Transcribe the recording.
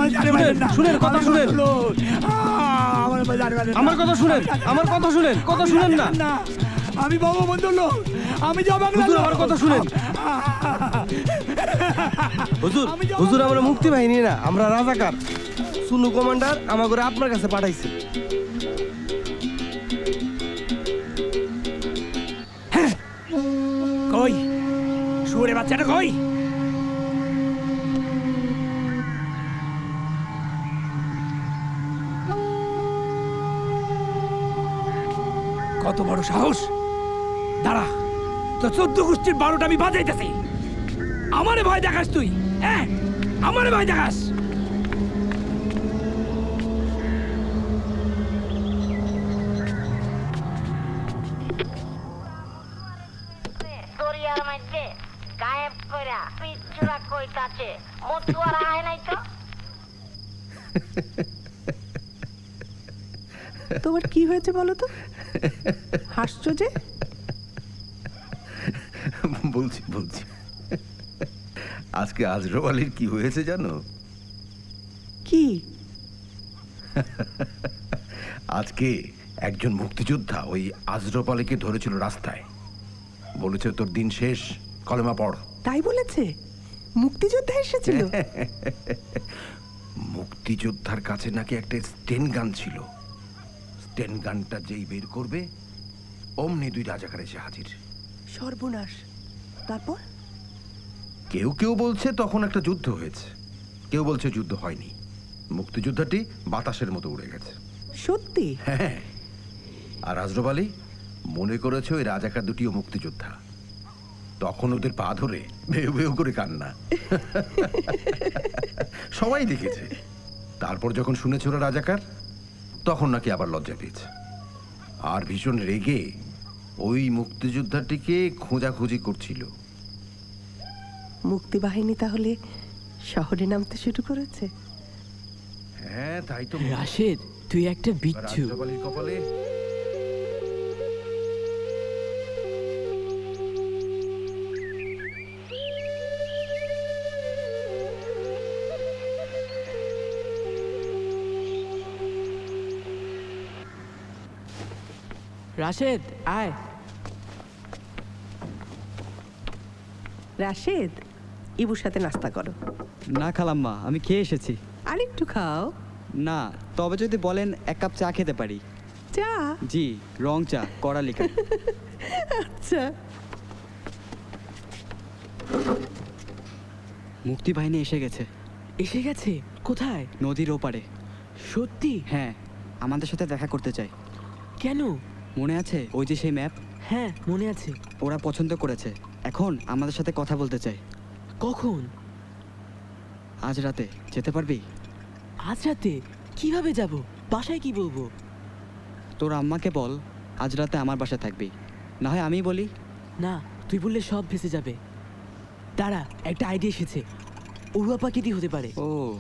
শুনেন কথা শুনেন, আমার কথা শুনেন, আমার কথা শুনেন, কথা শুনেন না। আমি বঙ্গবন্ধুর লোক, আমি যাব হুজুর আমার কথা শুনেন। হুজুর হুজুর আমরা মুক্তি বাহিনী না, আমরা রাজাকার। সুনু কমান্ডার আমাকে আপনার কাছে পাঠাইছে। কই শুয়োরের বাচ্চাটা কই? কত বড় সাহস! দাঁড়া, তো 14 গোষ্ঠীর 12টা আমি বাজাইতেছি। আমারে ভয় দেখাস তুই? হ্যাঁ, আমারে ভয় দেখাস? দরিয়ার মধ্যে গায়েব কইরা পিচ্চুরা কইতাছে মতুয়ার আয় নাই তো। তোমার কি হয়েছে বলো তো? হাসছো যে? বলছি বলছি আজকে আজরফ আলীর কি হয়েছে জানো? কি? আজকে একজন মুক্তিযোদ্ধা ওই আজরফ আলীকে ধরেছিল রাস্তায়, বলেছে তোর দিন শেষ, কলেমা পড়। তাই বলেছে? মুক্তিযোদ্ধা এসেছিল? মুক্তিযোদ্ধার কাছে নাকি একটা স্টেন গান ছিল। স্টেন গানটা যেই বের করবে অমনি 2 রাজাকার এসে হাজির। সর্বনাশ! তারপর? কেউ কেউ বলছে তখন একটা যুদ্ধ হয়েছে, কেউ বলছে যুদ্ধ হয়নি, মুক্তিযোদ্ধাটি বাতাসের মতো উড়ে গেছে। সত্যি? হ্যাঁ, আর আজরফ আলী মনে করেছে ওই রাজাকার দুটিও মুক্তিযোদ্ধা। তখন ওদের পা ধরে ভেউ ভেউ করে কান্না। সবাই দেখেছে। তারপর যখন শুনেছে ওরা রাজাকার, তখন নাকি আবার লজ্জা পেয়েছে, আর ভীষণ রেগে ওই মুক্তিযোদ্ধাটিকে খোঁজাখুঁজি করছিল। মুক্তিবাহিনী তাহলে শহরে নামতে শুরু করেছে? হ্যাঁ তাই তো। রাশেদ, তুই একটা বিচ্ছু। আজরফ আলীর কপালে রাশেদ আয়। রাশেদ, ইবুর সাথে নাস্তা করো। না খালাম্মা, আমি খেয়ে এসেছি। আরেকটু খাও। না, তবে যদি বলেন 1 কাপ চা খেতে পারি। চা? জি, রং চা, কড়া লিখা। আচ্ছা। মুক্তি বাহিনী এসে গেছে। এসে গেছে? কোথায়? নদীর ওপারে। সত্যি? হ্যাঁ, আমাদের সাথে দেখা করতে চাই। কেন? মনে আছে ওই যে সেই ম্যাপ? হ্যাঁ মনে আছে। ওরা পছন্দ করেছে, এখন আমাদের সাথে কথা বলতে চাই। কখন? আজ রাতে যেতে পারবি? আজ রাতে? কিভাবে যাব? বাসায় কি বলবো? তোর আম্মাকে বল আজ রাতে আমার বাসায় থাকবি, না হয় আমিই বলি। না, তুই বললে সব ভেসে যাবে। দাঁড়া, একটা আইডিয়া এসেছে। অরুয়াপাকে দিয়ে হতে পারে। ও